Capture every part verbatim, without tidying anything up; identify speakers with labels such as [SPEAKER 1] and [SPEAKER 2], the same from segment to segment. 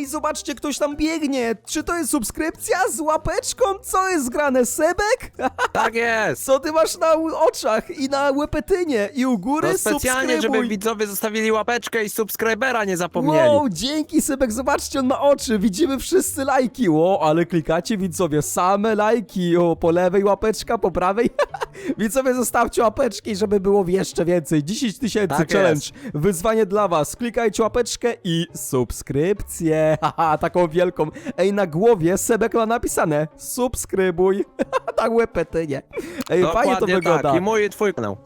[SPEAKER 1] zobaczcie, ktoś tam biegnie. Czy to jest subskrypcja z łapeczką? Co jest grane, Sebek?
[SPEAKER 2] Tak jest!
[SPEAKER 1] Co ty masz na oczach i na łepetynie i u góry
[SPEAKER 2] To specjalnie, żeby
[SPEAKER 1] subskrybuj.
[SPEAKER 2] widzowie zostawili łapeczkę i subskrybera nie zapomnieli.
[SPEAKER 1] Wow, dzięki Sebek, zobaczcie, on ma oczy, widzimy wszyscy lajki, o, ale klikacie widzowie, same lajki, o, po lewej łapeczka, po prawej, widzowie zostawcie łapeczki, żeby było jeszcze więcej, dziesięć tysięcy
[SPEAKER 2] Tak
[SPEAKER 1] challenge,
[SPEAKER 2] jest.
[SPEAKER 1] wyzwanie dla was, klikajcie łapeczkę i subskrypcję, haha, taką wielką, ej, na głowie Sebek ma napisane, subskrybuj, na łepetynie, ej, fajnie to
[SPEAKER 2] Dokładnie
[SPEAKER 1] wygląda.
[SPEAKER 2] tak, i mój i twój kanał.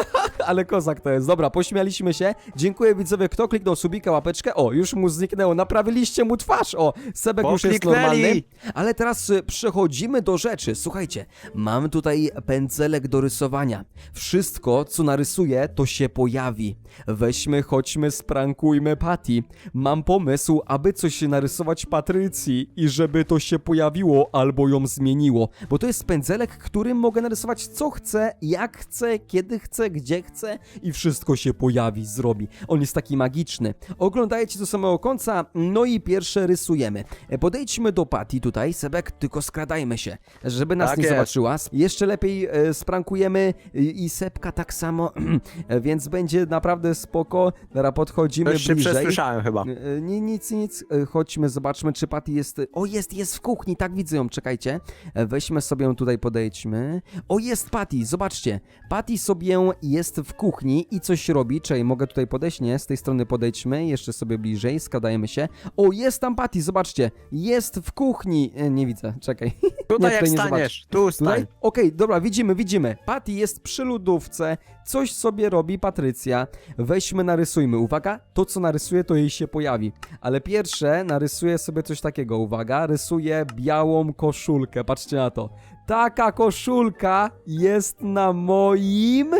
[SPEAKER 1] Ale kozak to jest. Dobra, pośmialiśmy się. Dziękuję widzowie, kto kliknął subika, łapeczkę. O, już mu zniknęło. Naprawiliście mu twarz. O, Sebek
[SPEAKER 2] Bo
[SPEAKER 1] już jest
[SPEAKER 2] kliknęli.
[SPEAKER 1] normalny. Ale teraz y, przechodzimy do rzeczy. Słuchajcie, mam tutaj pędzelek do rysowania. Wszystko, co narysuję, to się pojawi. Weźmy, chodźmy, sprankujmy Patty. Mam pomysł, aby coś narysować Patrycji i żeby to się pojawiło albo ją zmieniło. Bo to jest pędzelek, którym mogę narysować co chcę, jak chcę, kiedy chcę, gdzie chcę i wszystko się pojawi, zrobi. On jest taki magiczny. Oglądajcie do samego końca, no i pierwsze rysujemy. E, Podejdźmy do Patty tutaj, Sebek, tylko skradajmy się, żeby nas
[SPEAKER 2] Tak
[SPEAKER 1] nie
[SPEAKER 2] jest.
[SPEAKER 1] zobaczyła. Jeszcze lepiej e, sprankujemy i, i Sebka tak samo, e, więc będzie naprawdę spoko. Teraz podchodzimy
[SPEAKER 2] Już się
[SPEAKER 1] bliżej.
[SPEAKER 2] przesłyszałem chyba.
[SPEAKER 1] E, Nie, nic, nic. E, Chodźmy, zobaczmy, czy Patty jest... O, jest, jest w kuchni, tak widzę ją, czekajcie. E, Weźmy sobie ją tutaj, podejdźmy. O, jest Patty, zobaczcie. Patty sobie jest w kuchni i coś robi. Czekaj, mogę tutaj podejść? Nie, z tej strony podejdźmy. Jeszcze sobie bliżej, skradajmy się. O, jest tam Patty, zobaczcie. Jest w kuchni. E, Nie widzę, czekaj.
[SPEAKER 2] Tutaj
[SPEAKER 1] Nie,
[SPEAKER 2] jak
[SPEAKER 1] nie
[SPEAKER 2] staniesz, tu stań.
[SPEAKER 1] Tutaj? Okej, dobra, widzimy, widzimy. Patty jest przy lodówce, coś sobie robi Patrycja. Weźmy, narysujmy. Uwaga, to co narysuję, to jej się pojawi. Ale pierwsze narysuję sobie coś takiego. Uwaga, rysuję białą koszulkę. Patrzcie na to. Taka koszulka jest na moim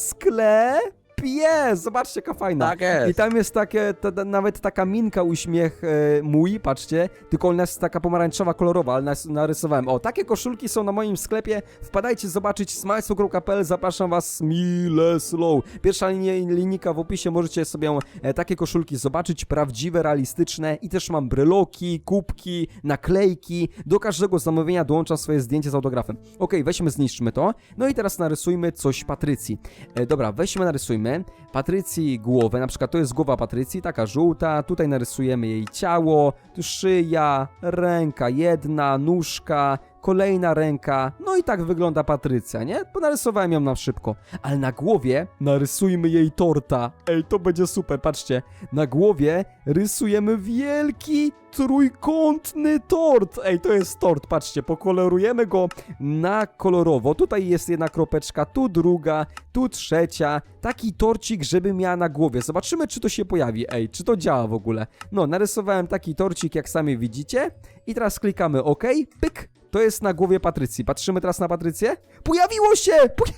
[SPEAKER 1] sklepie. Zobaczcie, jaka fajna.
[SPEAKER 2] Tak jest.
[SPEAKER 1] I tam jest takie, ta, ta, nawet taka minka, uśmiech e, mój, patrzcie, tylko ona jest taka pomarańczowa, kolorowa, ale nas, narysowałem. O, takie koszulki są na moim sklepie, wpadajcie zobaczyć smajslow kropka p l, zapraszam was, Mile Slow. Pierwsza linia, linijka w opisie, możecie sobie e, takie koszulki zobaczyć, prawdziwe, realistyczne i też mam bryloki, kubki, naklejki, do każdego zamówienia dołączam swoje zdjęcie z autografem. Okej, weźmy, zniszczmy to, no i teraz narysujmy coś Patrycji. E, dobra, weźmy, narysujmy Patrycji głowę, na przykład to jest głowa Patrycji, taka żółta, tutaj narysujemy jej ciało, tu szyja, ręka jedna, nóżka, kolejna ręka, no i tak wygląda Patrycja, nie? Bo narysowałem ją na szybko, ale na głowie narysujmy jej torta. Ej, to będzie super, patrzcie, na głowie rysujemy wielki trójkątny tort. Ej, to jest tort, patrzcie, pokolorujemy go na kolorowo. Tutaj jest jedna kropeczka, tu druga, tu trzecia. Taki torcik, żeby miała na głowie. Zobaczymy, czy to się pojawi. Ej, czy to działa w ogóle. No, narysowałem taki torcik, jak sami widzicie. I teraz klikamy OK, pyk. To jest na głowie Patrycji. Patrzymy teraz na Patrycję. Pojawiło się! Poja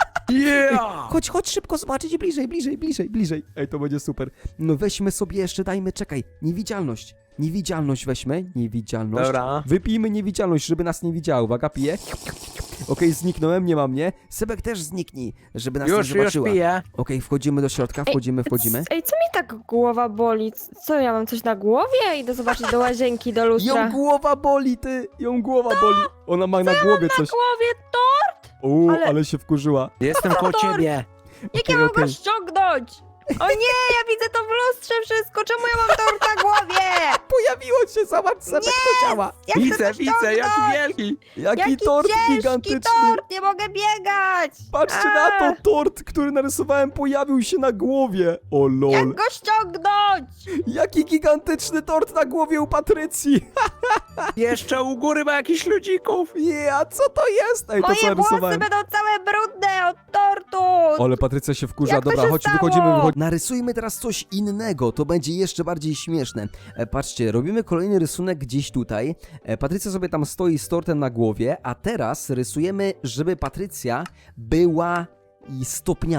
[SPEAKER 2] Yeah!
[SPEAKER 1] Chodź, chodź szybko zobaczyć, bliżej, bliżej, bliżej, bliżej. Ej, to będzie super. No weźmy sobie jeszcze, dajmy, czekaj, niewidzialność. Niewidzialność weźmy, niewidzialność.
[SPEAKER 2] Dobra.
[SPEAKER 1] Wypijmy niewidzialność, żeby nas nie widziała. Uwaga, piję. Okej, zniknąłem, nie ma mnie. Sebek też zniknij, żeby nas
[SPEAKER 2] Już,
[SPEAKER 1] nie
[SPEAKER 2] już
[SPEAKER 1] zobaczyła.
[SPEAKER 2] piję.
[SPEAKER 1] Okej, wchodzimy do środka, wchodzimy, wchodzimy.
[SPEAKER 3] Ej, co mi tak głowa boli? C- Co, ja mam coś na głowie? Idę zobaczyć do łazienki, do lustra.
[SPEAKER 1] Ją głowa boli, ty! Ją głowa boli. Ona ma na głowie coś.
[SPEAKER 3] głowie to?
[SPEAKER 1] Uuu, ale...
[SPEAKER 3] ale-
[SPEAKER 1] się wkurzyła.
[SPEAKER 2] Jestem koło
[SPEAKER 3] Tort.
[SPEAKER 2] ciebie.
[SPEAKER 3] Jak ja
[SPEAKER 1] Okej,
[SPEAKER 3] mam
[SPEAKER 1] okej.
[SPEAKER 3] go ściągnąć? O nie, ja widzę to w lustrze wszystko. Czemu ja mam tort na głowie?
[SPEAKER 1] Pojawiło się, zobacz, Sebek, to działa.
[SPEAKER 3] Ja chcę
[SPEAKER 2] Widzę,
[SPEAKER 3] to
[SPEAKER 2] widzę,
[SPEAKER 3] ściągnąć.
[SPEAKER 2] jaki wielki.
[SPEAKER 1] Jaki,
[SPEAKER 3] Jaki
[SPEAKER 1] tort
[SPEAKER 3] ciężki
[SPEAKER 1] gigantyczny.
[SPEAKER 3] tort, nie mogę biegać.
[SPEAKER 1] Patrzcie
[SPEAKER 3] A,
[SPEAKER 1] na to, tort, który narysowałem, pojawił się na głowie. O lol.
[SPEAKER 3] Jak go ściągnąć?
[SPEAKER 1] Jaki gigantyczny tort na głowie u Patrycji.
[SPEAKER 2] Jeszcze u góry ma jakichś ludzików.
[SPEAKER 1] Nie, a co to jest? Ej, to co
[SPEAKER 3] Moje włosy
[SPEAKER 1] narysowałem.
[SPEAKER 3] będą całe brudne od tortu.
[SPEAKER 1] Ale Patrycja się wkurza.
[SPEAKER 3] Jak to
[SPEAKER 1] Dobra,
[SPEAKER 3] się
[SPEAKER 1] chodź,
[SPEAKER 3] stało?
[SPEAKER 1] wychodzimy, wychodzimy. Narysujmy teraz coś innego, to będzie jeszcze bardziej śmieszne. E, patrzcie, robimy kolejny rysunek gdzieś tutaj. E, Patrycja sobie tam stoi z tortem na głowie, a teraz rysujemy, żeby Patrycja była i stopniała.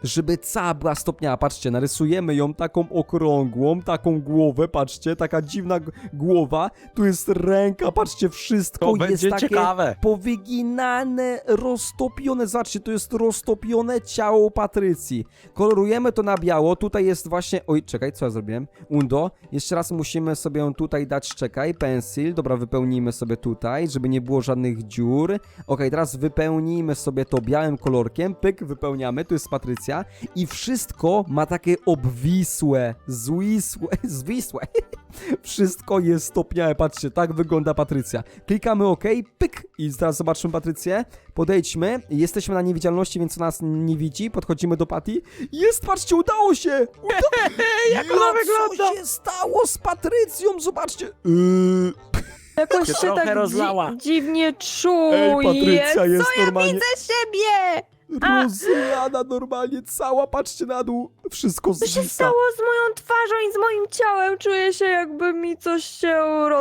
[SPEAKER 1] żeby cała była stopniała. Patrzcie, narysujemy ją taką okrągłą, taką głowę, patrzcie, taka dziwna g- głowa. Tu jest ręka, patrzcie, wszystko
[SPEAKER 2] To
[SPEAKER 1] jest
[SPEAKER 2] będzie
[SPEAKER 1] takie
[SPEAKER 2] ciekawe.
[SPEAKER 1] powyginane, roztopione. Zobaczcie, to jest roztopione ciało Patrycji. Kolorujemy to na biało. Tutaj jest właśnie... Oj, czekaj, co ja zrobiłem? Undo. Jeszcze raz musimy sobie ją tutaj dać, czekaj, pensil. Dobra, wypełnijmy sobie tutaj, żeby nie było żadnych dziur. Okej, teraz wypełnijmy sobie to białym kolorkiem. Pyk, wypełniamy. Tu jest Patrycja. I wszystko ma takie obwisłe, zwisłe, zwisłe. Wszystko jest stopniałe. Patrzcie, tak wygląda Patrycja. Klikamy OK, pyk. I teraz zobaczymy Patrycję. Podejdźmy. Jesteśmy na niewidzialności, więc nas nie widzi. Podchodzimy do Pati. Jest, patrzcie, udało się! Uda...
[SPEAKER 2] Jak ona
[SPEAKER 1] Ja,
[SPEAKER 2] wygląda?
[SPEAKER 1] Co się stało z Patrycją? Zobaczcie. Yy...
[SPEAKER 3] Jakoś
[SPEAKER 2] się
[SPEAKER 3] się
[SPEAKER 2] trochę
[SPEAKER 3] tak
[SPEAKER 2] rozlała.
[SPEAKER 3] dzi dziwnie czuję.
[SPEAKER 1] Ej, Patrycja jest
[SPEAKER 3] Co ja
[SPEAKER 1] normalnie
[SPEAKER 3] widzę siebie? A-
[SPEAKER 1] rozlana normalnie, cała, patrzcie na dół. Wszystko
[SPEAKER 3] Co się
[SPEAKER 1] zwisa.
[SPEAKER 3] stało z moją twarzą i z moim ciałem? Czuję się, jakby mi coś się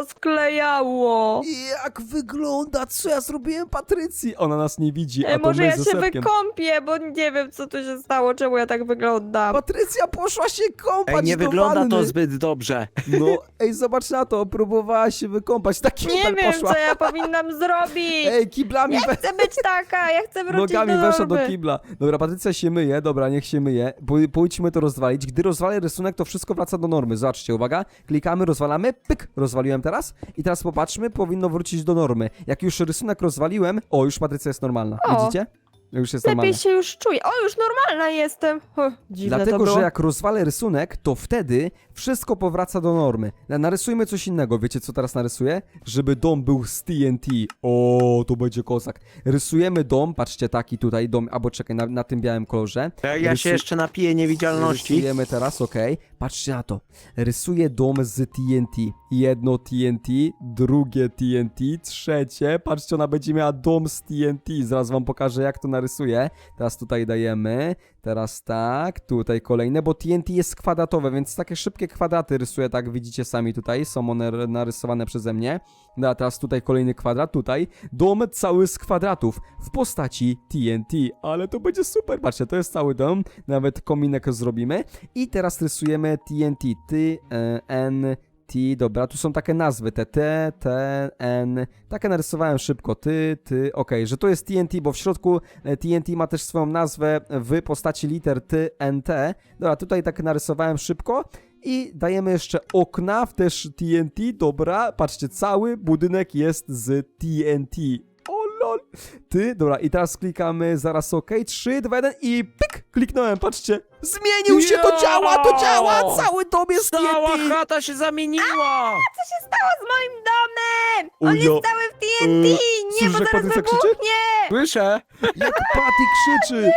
[SPEAKER 3] rozklejało.
[SPEAKER 1] Jak wygląda? Co ja zrobiłem Patrycji? Ona nas nie widzi, a
[SPEAKER 3] Ej,
[SPEAKER 1] to
[SPEAKER 3] może
[SPEAKER 1] my
[SPEAKER 3] ja
[SPEAKER 1] ze
[SPEAKER 3] się
[SPEAKER 1] Sepkiem.
[SPEAKER 3] wykąpię, bo nie wiem, co tu się stało, czemu ja tak wyglądam.
[SPEAKER 1] Patrycja poszła się kąpać
[SPEAKER 2] Ej, nie
[SPEAKER 1] do
[SPEAKER 2] wygląda
[SPEAKER 1] wanny.
[SPEAKER 2] to zbyt dobrze.
[SPEAKER 1] No, ej, zobacz na to, próbowała się wykąpać. Tak
[SPEAKER 3] Nie
[SPEAKER 1] kibel
[SPEAKER 3] wiem,
[SPEAKER 1] poszła.
[SPEAKER 3] co ja powinnam zrobić.
[SPEAKER 1] Ej, kiblami
[SPEAKER 3] Ja
[SPEAKER 1] we...
[SPEAKER 3] chcę być taka, ja chcę wrócić
[SPEAKER 1] Nogami
[SPEAKER 3] do
[SPEAKER 1] weszła do
[SPEAKER 3] normy.
[SPEAKER 1] kibla. Dobra, Patrycja się myje, dobra, niech się myje. Pó- Pójdźmy to rozwalić. Gdy rozwalę rysunek, to wszystko wraca do normy. Zobaczcie, uwaga. Klikamy, rozwalamy, pyk, rozwaliłem teraz. I teraz popatrzmy, powinno wrócić do normy. Jak już rysunek rozwaliłem, o, już Patrycja jest normalna.
[SPEAKER 3] O.
[SPEAKER 1] Widzicie? Już jest normalna.
[SPEAKER 3] Lepiej się już czuję. O, już normalna jestem. Huh, dziwne
[SPEAKER 1] Dlatego,
[SPEAKER 3] to było.
[SPEAKER 1] że jak rozwalę rysunek, to wtedy wszystko powraca do normy. Na- Narysujmy coś innego. Wiecie, co teraz narysuję? Żeby dom był z T N T. O, to będzie kozak. Rysujemy dom, patrzcie, taki tutaj dom, albo czekaj, na, na tym białym kolorze.
[SPEAKER 2] Ja, ja się
[SPEAKER 1] Rysu-
[SPEAKER 2] jeszcze napiję niewidzialności.
[SPEAKER 1] Rysujemy teraz, okej. Patrzcie na to. Rysuję dom z T N T. Jedno T N T, drugie T N T, trzecie. Patrzcie, ona będzie miała dom z T N T. Zaraz wam pokażę, jak to narysuję. Teraz tutaj dajemy. Teraz tak, tutaj kolejne, bo T N T jest kwadratowe, więc takie szybkie kwadraty rysuję, tak widzicie sami tutaj, są one r- narysowane przeze mnie. No a teraz tutaj kolejny kwadrat, tutaj dom cały z kwadratów w postaci T N T, ale to będzie super, patrzcie, to jest cały dom, nawet kominek zrobimy i teraz rysujemy T N T, T, e, N, T, dobra, tu są takie nazwy, te T, T, N, takie narysowałem szybko, ty, ty, okej, że to jest T N T, bo w środku e, T N T ma też swoją nazwę w postaci liter T, N, T, dobra, tutaj tak narysowałem szybko i dajemy jeszcze okna w też T N T, dobra, patrzcie, cały budynek jest z T N T. O lol. Ty, dobra, i teraz klikamy zaraz OK. trzy, dwa, jeden i pyk! Kliknąłem, patrzcie. Zmienił się, to
[SPEAKER 2] Jo!
[SPEAKER 1] działa, to działa! Cały dom jest
[SPEAKER 2] Cała
[SPEAKER 1] T N T!
[SPEAKER 2] chata się zamieniła!
[SPEAKER 3] Co się stało z moim domem?
[SPEAKER 1] O
[SPEAKER 3] On
[SPEAKER 1] ja-
[SPEAKER 3] jest cały w T N T!
[SPEAKER 1] e,
[SPEAKER 3] Nie,
[SPEAKER 1] słyszysz,
[SPEAKER 3] bo
[SPEAKER 1] jak
[SPEAKER 3] zaraz
[SPEAKER 1] Patrycja krzyczy?
[SPEAKER 3] wybuchnie!
[SPEAKER 2] Słyszę.
[SPEAKER 1] Jak Patty krzyczy!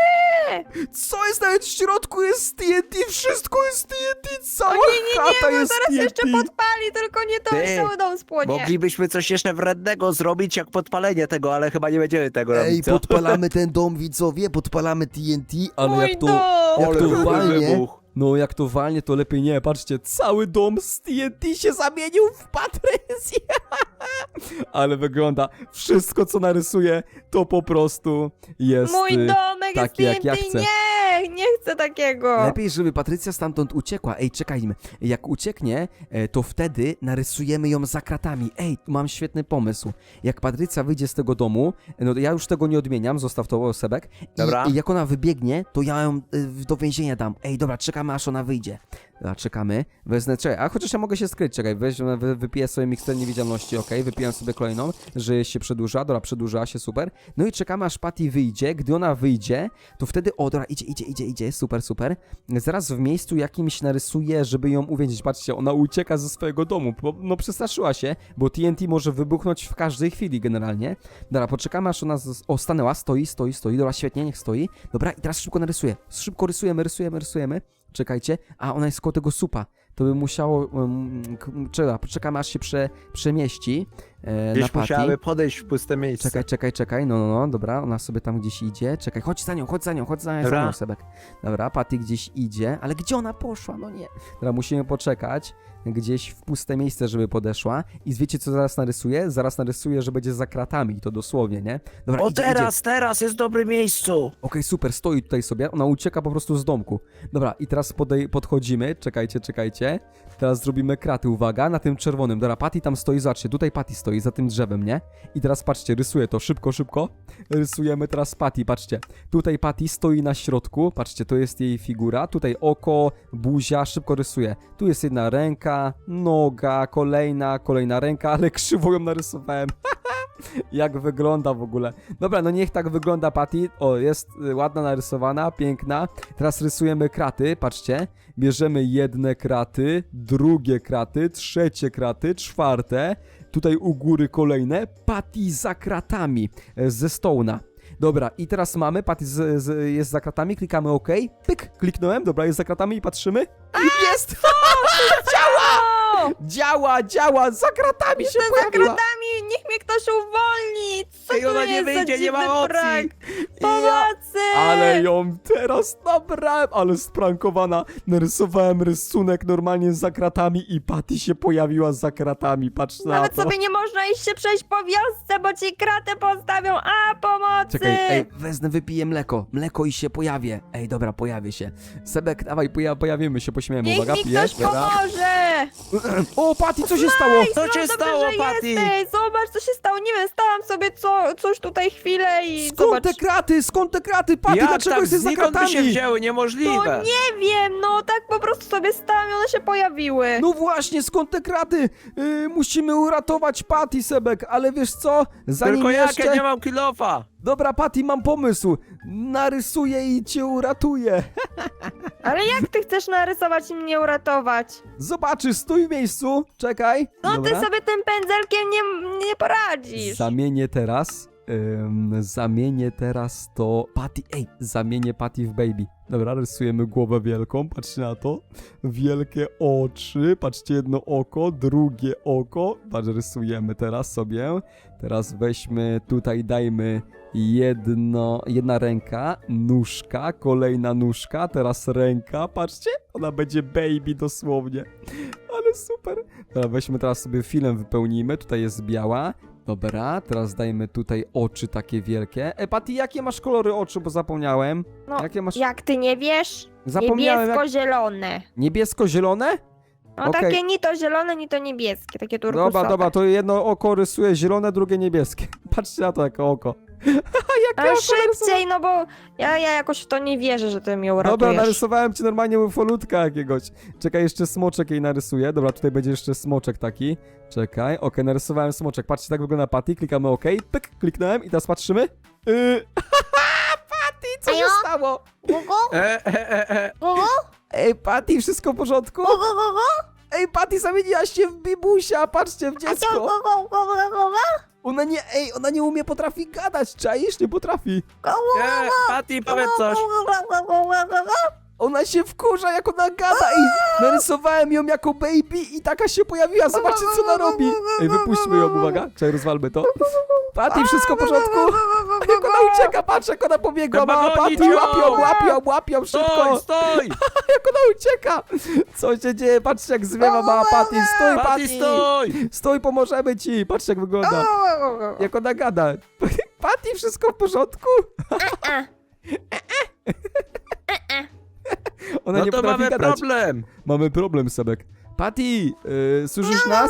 [SPEAKER 1] Co jest nawet w środku? Jest T N T, wszystko jest T N T, cała
[SPEAKER 3] O nie, nie, nie,
[SPEAKER 1] chata
[SPEAKER 3] bo
[SPEAKER 1] jest
[SPEAKER 3] zaraz
[SPEAKER 1] T N T!
[SPEAKER 3] jeszcze podpali, tylko nie to,
[SPEAKER 2] Ty,
[SPEAKER 3] i cały dom spłonie.
[SPEAKER 2] Moglibyśmy coś jeszcze wrednego zrobić, jak podpalenie tego, ale chyba nie będziemy tego
[SPEAKER 1] Ej,
[SPEAKER 2] robić, co?
[SPEAKER 1] podpalamy ten dom, widzowie, podpalamy T N T, ale
[SPEAKER 3] Mój
[SPEAKER 1] jak to...
[SPEAKER 3] dom!
[SPEAKER 1] Jak
[SPEAKER 2] Ale
[SPEAKER 1] to
[SPEAKER 2] byłby
[SPEAKER 1] walnie,
[SPEAKER 2] wybuch.
[SPEAKER 1] no jak to walnie, to lepiej nie. Patrzcie, cały dom z T N T się zamienił w Patrycję. Ale wygląda, wszystko co narysuję, to po prostu jest...
[SPEAKER 3] Mój
[SPEAKER 1] y,
[SPEAKER 3] domek jest
[SPEAKER 1] taki, jak
[SPEAKER 3] T N T,
[SPEAKER 1] ja chcę.
[SPEAKER 3] nie, nie chcę takiego.
[SPEAKER 1] Lepiej, żeby Patrycja stamtąd uciekła. Ej, czekajmy. Jak ucieknie, e, to wtedy narysujemy ją za kratami. Ej, mam świetny pomysł. Jak Patrycja wyjdzie z tego domu, no ja już tego nie odmieniam, zostaw to, Sebek. I,
[SPEAKER 2] Dobra.
[SPEAKER 1] I jak ona wybiegnie, to ja ją y, do więzienia dam. Ej, dobra, czekamy aż ona wyjdzie. Dobra, czekamy. Wezmę, czekaj, a chociaż ja mogę się skryć, czekaj, weź, wy, wypiję sobie miksturę niewidzialności, okej, wypiję sobie kolejną, że się przedłuża, dobra, przedłuża się, super. No i czekamy aż Patty wyjdzie, gdy ona wyjdzie, to wtedy, o, dobra, idzie, idzie, idzie, idzie, super, super. Zaraz w miejscu jakimś narysuję, żeby ją uwięzić, patrzcie, ona ucieka ze swojego domu, bo, no przestraszyła się, bo T N T może wybuchnąć w każdej chwili generalnie. Dobra, poczekamy aż ona, z... o, stanęła, stoi, stoi, stoi, dobra, świetnie, niech stoi. Dobra, i teraz szybko narysuję, szybko rysujemy, rysujemy, rysujemy. Czekajcie, a ona jest koło tego supa. To by musiało... Um, k- czeka, poczekamy aż się prze, przemieści. e, na
[SPEAKER 2] Gdzieś
[SPEAKER 1] Patty.
[SPEAKER 2] musiały podejść w puste miejsce.
[SPEAKER 1] Czekaj, czekaj, czekaj, no, no, no, dobra, ona sobie tam gdzieś idzie, czekaj, chodź za nią, chodź za nią, chodź za nią, za
[SPEAKER 2] Dobra.
[SPEAKER 1] nią, Sebek. Dobra, Patty gdzieś idzie, ale gdzie ona poszła, no nie. Dobra, musimy poczekać gdzieś w puste miejsce, żeby podeszła i wiecie, co zaraz narysuję? Zaraz narysuję, że będzie za kratami, to dosłownie, nie? Dobra,
[SPEAKER 2] O
[SPEAKER 1] idzie,
[SPEAKER 2] teraz,
[SPEAKER 1] idzie.
[SPEAKER 2] teraz jest w dobrym miejscu.
[SPEAKER 1] Okej, super, stoi tutaj sobie, ona ucieka po prostu z domku. Dobra, i teraz podej- podchodzimy, czekajcie, czekajcie. Teraz zrobimy kraty, uwaga, na tym czerwonym. Dobra, Patty tam stoi, zobaczcie, tutaj Patty stoi, za tym drzewem, nie? I teraz patrzcie, rysuję to, szybko, szybko. Rysujemy teraz Patty, patrzcie. Tutaj Patty stoi na środku, patrzcie, to jest jej figura. Tutaj oko, buzia, szybko rysuję. Tu jest jedna ręka, noga, kolejna, kolejna ręka, ale krzywo ją narysowałem. Jak wygląda w ogóle. Dobra, no niech tak wygląda Patty. O, jest y, ładna, narysowana, piękna. Teraz rysujemy kraty, patrzcie. Bierzemy jedne kraty, drugie kraty, trzecie kraty, czwarte. Tutaj u góry kolejne. Patty za kratami e, ze Stone'a. Dobra, i teraz mamy, Patty z, z, jest za kratami, klikamy OK. Pyk, kliknąłem, dobra, jest za kratami i patrzymy. Jest! Działa! Działa, działa, za kratami się
[SPEAKER 3] Jestem za
[SPEAKER 1] pojawiła.
[SPEAKER 3] kratami, niech mnie ktoś uwolni! Co
[SPEAKER 2] Ej,
[SPEAKER 3] to
[SPEAKER 2] ona nie
[SPEAKER 3] jest
[SPEAKER 2] wyjdzie,
[SPEAKER 3] za
[SPEAKER 2] nie ma
[SPEAKER 3] dziwny
[SPEAKER 2] opcji.
[SPEAKER 3] prank?
[SPEAKER 1] Ja,
[SPEAKER 3] Pomocy!
[SPEAKER 1] ale ją teraz nabrałem, ale sprankowana. Narysowałem rysunek normalnie za kratami i Patty się pojawiła za kratami, patrz na
[SPEAKER 3] Nawet
[SPEAKER 1] to.
[SPEAKER 3] sobie nie można iść się przejść po wiosce, bo ci kratę postawią, a pomocy!
[SPEAKER 1] Czekaj, ej, wezmę, wypiję mleko. Mleko i się pojawię. Ej, dobra, pojawię się. Sebek, dawaj, poja pojawimy się, pośmiejemy.
[SPEAKER 3] Niech
[SPEAKER 1] Uwaga,
[SPEAKER 3] mi
[SPEAKER 1] pijesz,
[SPEAKER 3] ktoś
[SPEAKER 1] dobra.
[SPEAKER 3] pomoże!
[SPEAKER 1] O, Patty, co się stało?
[SPEAKER 2] Co
[SPEAKER 3] No
[SPEAKER 2] się
[SPEAKER 3] dobrze,
[SPEAKER 2] stało,
[SPEAKER 3] że
[SPEAKER 2] Patty?
[SPEAKER 3] jesteś. Zobacz, co się stało. Nie wiem, stałam sobie co, coś tutaj chwilę i
[SPEAKER 1] Skąd
[SPEAKER 3] zobacz.
[SPEAKER 1] te kraty? Skąd te kraty? Patty,
[SPEAKER 2] Jak
[SPEAKER 1] dlaczego
[SPEAKER 2] tak
[SPEAKER 1] jesteś za
[SPEAKER 2] znikąd by się
[SPEAKER 1] kratami?
[SPEAKER 2] wzięły?
[SPEAKER 3] No
[SPEAKER 2] Niemożliwe.
[SPEAKER 3] nie wiem, no tak po prostu sobie stałam i one się pojawiły.
[SPEAKER 1] No właśnie, skąd te kraty? Yy, musimy uratować Patty, Sebek, ale wiesz co? Zanim
[SPEAKER 2] Tylko
[SPEAKER 1] jeszcze...
[SPEAKER 2] jakie nie mam kilofa.
[SPEAKER 1] Dobra, Patty, mam pomysł. Narysuję i cię uratuję.
[SPEAKER 3] Ale jak ty chcesz narysować i mnie uratować?
[SPEAKER 1] Zobaczysz, stój w miejscu. Czekaj.
[SPEAKER 3] No
[SPEAKER 1] Dobra.
[SPEAKER 3] ty sobie tym pędzelkiem nie, nie poradzisz.
[SPEAKER 1] Zamienię teraz. Ym, zamienię teraz to. Patty, ej, zamienię Patty w baby. Dobra, rysujemy głowę wielką, patrzcie na to. Wielkie oczy, patrzcie, jedno oko, drugie oko. Patrz, rysujemy teraz sobie. Teraz weźmy, tutaj dajmy jedno, jedna ręka, nóżka, kolejna nóżka, teraz ręka, patrzcie, ona będzie baby dosłownie. Ale super. Dobra, weźmy teraz sobie filem, wypełnijmy, tutaj jest biała. Dobra, teraz dajmy tutaj oczy takie wielkie. E, Patty, jakie masz kolory oczu, bo zapomniałem.
[SPEAKER 3] No,
[SPEAKER 1] Jakie masz...
[SPEAKER 3] jak ty nie wiesz?
[SPEAKER 1] Zapomniałem, jak...
[SPEAKER 3] Niebiesko-zielone.
[SPEAKER 1] Niebiesko-zielone?
[SPEAKER 3] No
[SPEAKER 1] Okej.
[SPEAKER 3] takie ni to zielone, ni to niebieskie, takie turkusowe.
[SPEAKER 1] Dobra, dobra, to jedno oko rysuje zielone, drugie niebieskie. Patrzcie na to, jakie oko. Jakie
[SPEAKER 3] Ale
[SPEAKER 1] oko
[SPEAKER 3] szybciej, no bo ja, ja jakoś w to nie wierzę, że ty mnie
[SPEAKER 1] Dobra,
[SPEAKER 3] uratujesz.
[SPEAKER 1] narysowałem ci normalnie ufolutka jakiegoś. Czekaj, jeszcze smoczek jej narysuję. Dobra, tutaj będzie jeszcze smoczek taki. Czekaj, okej, narysowałem smoczek. Patrzcie, tak wygląda Patty, klikamy OK, pyk, kliknąłem i teraz patrzymy. Yy... Patty, co się
[SPEAKER 3] Ajo?
[SPEAKER 1] stało?
[SPEAKER 3] Gugu?
[SPEAKER 2] E, e, e, e.
[SPEAKER 3] Gugu?
[SPEAKER 1] Ej, Patty, wszystko w porządku?
[SPEAKER 3] Gugu, gugu?
[SPEAKER 1] Ej, Patty, zamieniłaś się w bibusia, patrzcie, w
[SPEAKER 3] A co,
[SPEAKER 1] dziecko.
[SPEAKER 3] gugu, gugu, gugu?
[SPEAKER 1] Ona nie, ej, ona nie umie, potrafi gadać, czaisz? Nie potrafi.
[SPEAKER 3] Gugu,
[SPEAKER 2] E, Patty, powiedz coś.
[SPEAKER 3] gugu, gugu, gugu?
[SPEAKER 1] Ona się wkurza, jak ona gada i narysowałem ją jako baby i taka się pojawiła, zobaczcie, co ona robi. Ej, wypuśćmy ją, uwaga, czekaj, rozwalmy to. Patty, wszystko w porządku? Jak ona ucieka, patrz, jak ona pobiegła,
[SPEAKER 2] Trzeba
[SPEAKER 1] mała
[SPEAKER 2] gonić
[SPEAKER 1] Patty,
[SPEAKER 2] ją.
[SPEAKER 1] łapią, łapią, łapią,
[SPEAKER 2] Stój,
[SPEAKER 1] szybko.
[SPEAKER 2] stój.
[SPEAKER 1] Jak ona ucieka. Co się dzieje, patrzcie, jak zwiewa mała Patty, stój,
[SPEAKER 2] Patty,
[SPEAKER 1] Patty.
[SPEAKER 2] stój.
[SPEAKER 1] Stój, pomożemy ci, patrzcie, jak wygląda. Jak ona gada. Patty, wszystko w porządku? Ona
[SPEAKER 2] No
[SPEAKER 1] nie
[SPEAKER 2] to
[SPEAKER 1] potrafi
[SPEAKER 2] mamy
[SPEAKER 1] gadać.
[SPEAKER 2] problem.
[SPEAKER 1] Mamy problem, Sebek. Patty, yy, słyszysz nas?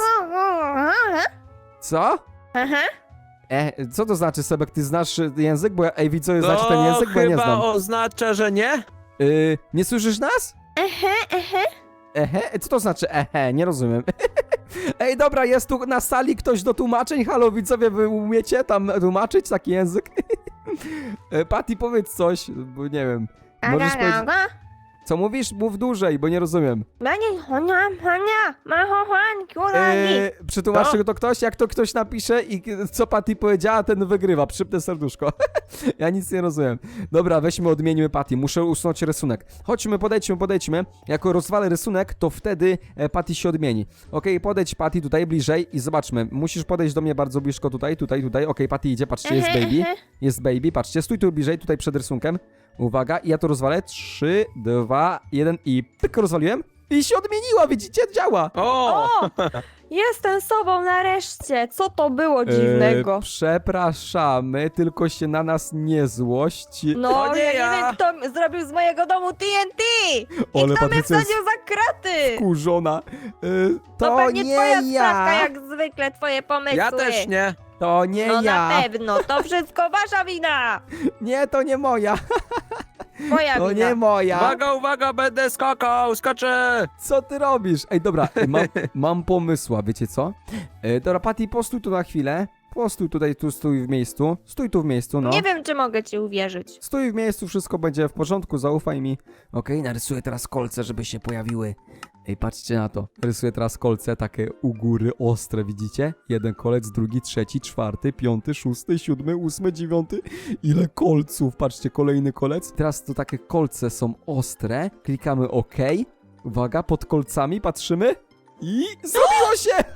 [SPEAKER 1] Co?
[SPEAKER 3] Aha.
[SPEAKER 1] E, co to znaczy, Sebek? Ty znasz y, język? Bo ja, ej, widzowie,
[SPEAKER 2] To
[SPEAKER 1] znaczy ten język, bo ja nie
[SPEAKER 2] chyba
[SPEAKER 1] znam.
[SPEAKER 2] oznacza, że nie?
[SPEAKER 1] Yy, nie słyszysz nas?
[SPEAKER 3] Ehe, ehe.
[SPEAKER 1] Ehe? Co to znaczy ehe? Nie rozumiem. Ej, dobra, jest tu na sali ktoś do tłumaczeń. Halo, widzowie, wy umiecie tam tłumaczyć taki język? E, Patty, powiedz coś, bo nie wiem. Możesz
[SPEAKER 3] Aga,
[SPEAKER 1] powiedzieć...
[SPEAKER 3] aga.
[SPEAKER 1] Co mówisz? Mów dłużej, bo nie rozumiem.
[SPEAKER 3] Mani, honia, honia, mahohan, kiuragi.
[SPEAKER 1] Eee, przetłumaczy
[SPEAKER 2] Co?
[SPEAKER 1] to ktoś? Jak to ktoś napisze i co Patty powiedziała, ten wygrywa. Przypnę serduszko. Ja nic nie rozumiem. Dobra, weźmy, odmieńmy Patty. Muszę usunąć rysunek. Chodźmy, podejdźmy, podejdźmy. Jak rozwalę rysunek, to wtedy e, Patty się odmieni. Okej, podejdź Patty tutaj bliżej i zobaczmy. Musisz podejść do mnie bardzo blisko tutaj, tutaj, tutaj. Okej, Patty idzie, patrzcie, jest baby. Jest baby, patrzcie, stój tu bliżej, tutaj przed rysunkiem. Uwaga, i ja to rozwalę. trzy, dwa, jeden i pyk, rozwaliłem. I się odmieniła, widzicie? Działa.
[SPEAKER 2] O!
[SPEAKER 3] O! Jestem sobą nareszcie. Co to było dziwnego?
[SPEAKER 1] E, przepraszamy, tylko się na nas nie złość.
[SPEAKER 3] No,
[SPEAKER 2] to nie
[SPEAKER 3] ja nie
[SPEAKER 2] ja.
[SPEAKER 3] wiem, kto m- zrobił z mojego domu T N T! I
[SPEAKER 1] Ale
[SPEAKER 3] kto mnie
[SPEAKER 1] Patrycja jest
[SPEAKER 3] wsadził za kraty!
[SPEAKER 1] Kurzona. E,
[SPEAKER 3] To,
[SPEAKER 1] to
[SPEAKER 3] pewnie
[SPEAKER 1] nie
[SPEAKER 3] twoja
[SPEAKER 1] ja.
[SPEAKER 3] sprawka, jak zwykle, twoje pomysły.
[SPEAKER 2] Ja też nie.
[SPEAKER 1] To nie
[SPEAKER 3] No
[SPEAKER 1] ja.
[SPEAKER 3] na pewno, to wszystko wasza wina!
[SPEAKER 1] Nie, to nie moja.
[SPEAKER 3] Twoja
[SPEAKER 1] To
[SPEAKER 3] wina.
[SPEAKER 1] nie moja.
[SPEAKER 2] Uwaga, uwaga, będę skakał, skoczę!
[SPEAKER 1] Co ty robisz? Ej, dobra, ej, mam, mam pomysła, wiecie co? E, dobra, Patty, postój tu na chwilę. Postój tutaj, tu stój w miejscu. Stój tu w miejscu, no.
[SPEAKER 3] Nie wiem, czy mogę ci uwierzyć.
[SPEAKER 1] Stój w miejscu, wszystko będzie w porządku, zaufaj mi. Okej, narysuję teraz kolce, żeby się pojawiły. Ej, patrzcie na to. Rysuję teraz kolce, takie u góry, ostre, widzicie? Jeden kolec, drugi, trzeci, czwarty, piąty, szósty, siódmy, ósmy, dziewiąty. Ile kolców? Patrzcie, kolejny kolec. Teraz tu takie kolce są ostre. Klikamy OK. Uwaga, pod kolcami patrzymy. I zrobiło się!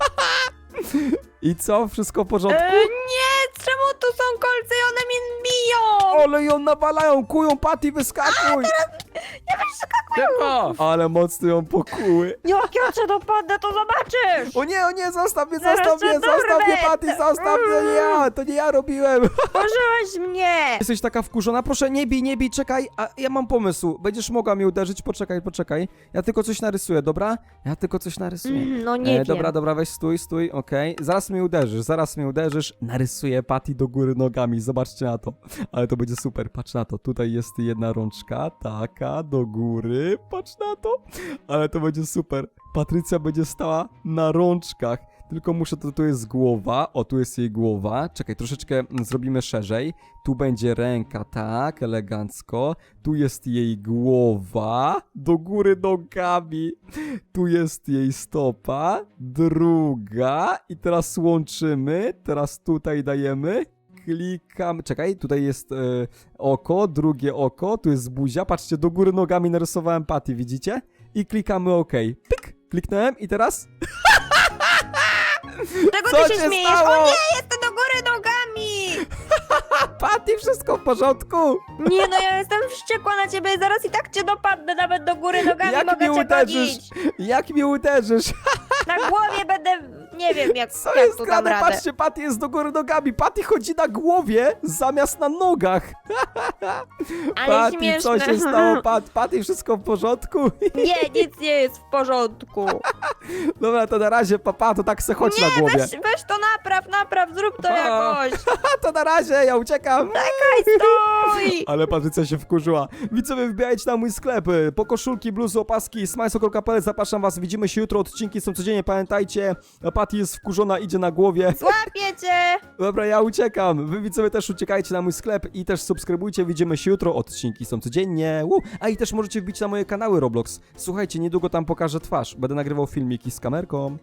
[SPEAKER 1] I co? Wszystko w porządku?
[SPEAKER 3] E, nie, czemu tu są kolce i one mnie biją?
[SPEAKER 1] Ale ją nawalają, kują, Patty, wyskakuj!
[SPEAKER 2] Szybko!
[SPEAKER 1] Ale mocno ją pokuły.
[SPEAKER 3] Jak ja cię dopadnę, to zobaczysz!
[SPEAKER 1] O nie, o nie, zostaw mnie,
[SPEAKER 3] Zaraz
[SPEAKER 1] zostaw
[SPEAKER 3] cię
[SPEAKER 1] mnie, zostaw mnie,
[SPEAKER 3] dorwę.
[SPEAKER 1] Patty, zostaw mnie, nie ja, to nie ja robiłem.
[SPEAKER 3] Pożyłeś mnie!
[SPEAKER 1] Jesteś taka wkurzona, proszę nie bij, nie bij, czekaj, a ja mam pomysł, będziesz mogła mnie uderzyć, poczekaj, poczekaj. Ja tylko coś narysuję, dobra? Ja tylko coś narysuję.
[SPEAKER 3] Mm, no nie
[SPEAKER 1] E,
[SPEAKER 3] wiem.
[SPEAKER 1] dobra, dobra, weź stój, stój, okej. Zaraz mnie uderzysz, zaraz mnie uderzysz. Narysuję Patty do góry nogami, zobaczcie na to. Ale to będzie super, patrz na to. Tutaj jest jedna rączka, taka, do góry, patrz na to. Ale to będzie super. Patrycja będzie stała na rączkach. Tylko muszę, to tu jest głowa, o tu jest jej głowa. Czekaj, troszeczkę mm, zrobimy szerzej. Tu będzie ręka, tak, elegancko. Tu jest jej głowa, do góry nogami. Tu jest jej stopa, druga. I teraz łączymy, teraz tutaj dajemy. Klikam, czekaj, tutaj jest e, oko, drugie oko, tu jest buzia. Patrzcie, do góry nogami narysowałem Patty, widzicie? I klikamy OK. Pyk, kliknąłem i teraz...
[SPEAKER 3] Czego
[SPEAKER 1] Co
[SPEAKER 3] ty się
[SPEAKER 1] się
[SPEAKER 3] śmiejesz?
[SPEAKER 1] stało?
[SPEAKER 3] O nie, jestem do góry nogami!
[SPEAKER 1] Patty, wszystko w porządku?
[SPEAKER 3] Nie no, ja jestem wściekła na ciebie, zaraz i tak cię dopadnę, nawet do góry nogami
[SPEAKER 1] Jak
[SPEAKER 3] mogę
[SPEAKER 1] mnie
[SPEAKER 3] cię
[SPEAKER 1] uderzysz?
[SPEAKER 3] gonić.
[SPEAKER 1] Jak mnie uderzysz?
[SPEAKER 3] Na głowie będę, nie wiem jak,
[SPEAKER 1] Co
[SPEAKER 3] jak
[SPEAKER 1] jest
[SPEAKER 3] tu dam
[SPEAKER 1] grane?
[SPEAKER 3] radę.
[SPEAKER 1] Patrzcie, Patty jest do góry nogami. Patty chodzi na głowie zamiast na nogach.
[SPEAKER 3] Ale
[SPEAKER 1] Patty,
[SPEAKER 3] śmieszne.
[SPEAKER 1] co się stało? Pat, Patty, wszystko w porządku?
[SPEAKER 3] Nie, nic nie jest w porządku.
[SPEAKER 1] Dobra, to na razie, papa, to tak se chodź na głowie.
[SPEAKER 3] Weź, weź to napraw, napraw, zrób to
[SPEAKER 2] Pa.
[SPEAKER 3] jakoś.
[SPEAKER 1] A to na razie, ja uciekam.
[SPEAKER 3] Czekaj, stój!
[SPEAKER 1] Ale Patrycja się wkurzyła. Widzowie, wbijajcie na mój sklep. Po koszulki, bluzy, opaski, smajso kropka p l. Zapraszam was, widzimy się jutro. Odcinki są codziennie, pamiętajcie. Patty jest wkurzona, idzie na głowie.
[SPEAKER 3] Złapię cię!
[SPEAKER 1] Dobra, ja uciekam. Wy widzowie też uciekajcie na mój sklep i też subskrybujcie. Widzimy się jutro. Odcinki są codziennie. Uu. A i też możecie wbić na moje kanały Roblox. Słuchajcie, niedługo tam pokażę twarz. Będę nagrywał filmiki z kamerką.